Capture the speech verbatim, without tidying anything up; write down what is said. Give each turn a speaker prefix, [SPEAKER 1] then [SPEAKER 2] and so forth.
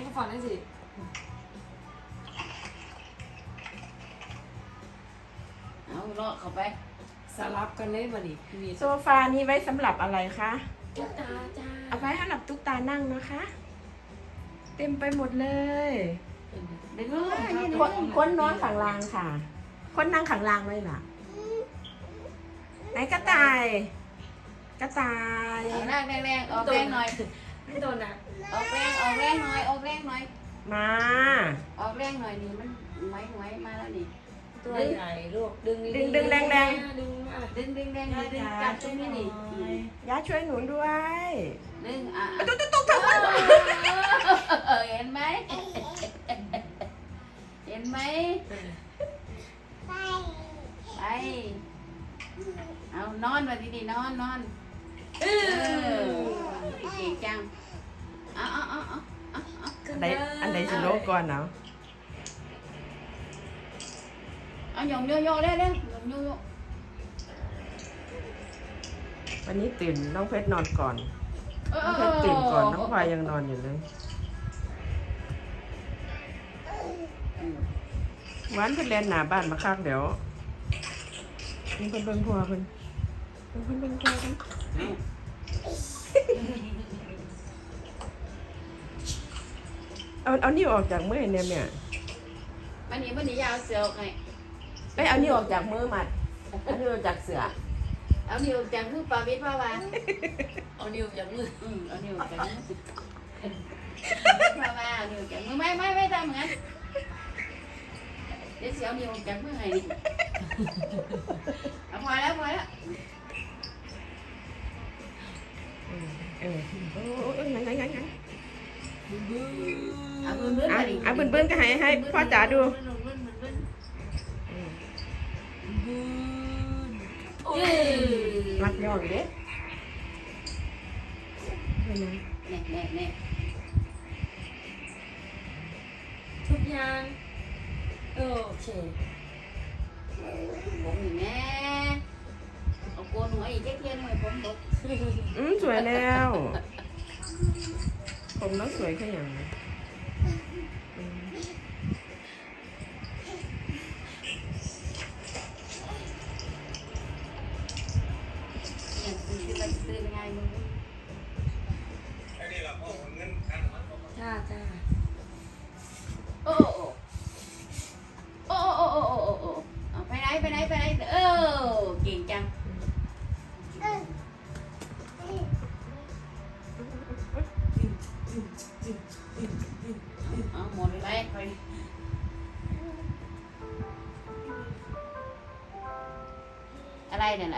[SPEAKER 1] มาฝันได้สิ
[SPEAKER 2] เอาเลาะเข้าไป
[SPEAKER 1] สลับกันเลยมาดิมี
[SPEAKER 3] โซฟานี้ไว้สำหรับอะไรคะ
[SPEAKER 1] ตุ๊กตาจ้า
[SPEAKER 3] เอาไว้ให้หลับตุ๊กตานั่งนะคะ เต็มไปหมดเลย
[SPEAKER 2] เด็กน้อยนี่
[SPEAKER 3] คนคนนอนขังรางค่ะ คนนั่งขังรางไว้ล่ะไหนกระต่าย กระต่าย
[SPEAKER 2] เอาแรงแรงออกแรงหน่อย
[SPEAKER 1] ไม่โดนนะ
[SPEAKER 2] ออกแรงออกแรงหน่อยออกแรงหน่อย
[SPEAKER 3] มา
[SPEAKER 2] ออกแรงหน่อยนี่มันไหวไหวมาแล้วนี่
[SPEAKER 1] ตัวใหญ่ลูกดึง
[SPEAKER 3] ดึงดึงแรงแรง
[SPEAKER 1] ดึงมา
[SPEAKER 2] ดึงดึงแรงดึงดึงจับตรงนี้นี่
[SPEAKER 3] ย่าช่วยหนูด้วย
[SPEAKER 2] ดึงอ่ะ
[SPEAKER 3] ตุ๊กตุ๊กตุ๊กตุ๊ก
[SPEAKER 2] เห็นไหมเห็นไหมไปเอานอนมาดีๆนอนนอนเออเก่งจังเอาเอาเอาเอาเอาเอา
[SPEAKER 3] อันใดอันใดสิโลกก่อนเนาะ
[SPEAKER 2] เอาหยงโยโย่เร็วเร็วหยงโยโย่
[SPEAKER 3] วันนี้ตื่นน้องเพชรนอนก่อน
[SPEAKER 2] เออ
[SPEAKER 3] น้องเพชรตื่นก่อนน้องพลอยยังนอนอยู่เลยหวานเพิ่นเล่นหน้าบ้านมาคักเดี๋ยวเพิ่นเพิ่นเบิ่งพัวเพิ่นเพิ่นเพิ่นเบิ่งพัวเพิ่นเอาเอานิ้วออกจากมือเนี่ยแม่
[SPEAKER 2] วันนี้วันนี้ยาวเสือออกไง
[SPEAKER 3] เอ้ยเอานิ้วออกจากมือมัดเอานิ้วออกจากเสือ
[SPEAKER 2] เอานิ้วจากมือปลาวิทย์ว่าวา
[SPEAKER 1] เอานิ้วจากมือ
[SPEAKER 2] อืมเอานิ้วจากมือว่าวาเอานิ้วจากมือไม่ไม่ไม่ทำเหมือนเดี๋ยวเสียวนิ้วจากมือไงนี่เอาพอแล้วพอแล้ว
[SPEAKER 3] เออโอ้โอ้งั้นงั้นงั้นงั้น
[SPEAKER 2] เอาเบิ้ลเบิ้ล
[SPEAKER 3] อ่ะ
[SPEAKER 2] มาดิ
[SPEAKER 3] อ่ะเบิ่นเบิ่นก็ให้ให้พ่อจ๋าดู
[SPEAKER 2] เบิ้ลเบิ้ลเบิ้ลเบิ้ล
[SPEAKER 1] โอ้ย
[SPEAKER 3] รักย่ออยู่เด้เห็นไหม
[SPEAKER 2] แน่แน่แน่
[SPEAKER 1] ทุกอย่างโอเค
[SPEAKER 2] ผมนี่แม่เอาโกนหัวอีกแค่เทียนหน่อยผมตก
[SPEAKER 3] อืมสวยแล้ว ผมน้องสวยแค่อย่างนี้อืม
[SPEAKER 2] อย่างตื่นขึ้นมาตื่นยังไงมึง
[SPEAKER 1] จ้าจ้า
[SPEAKER 2] โอ้โอ้โอ้โอ้โอ้โอ้โอ้เอาไปไหนไปไหนไปไหนเออเก่งจังเอาหมดไปอะไรเนี่ย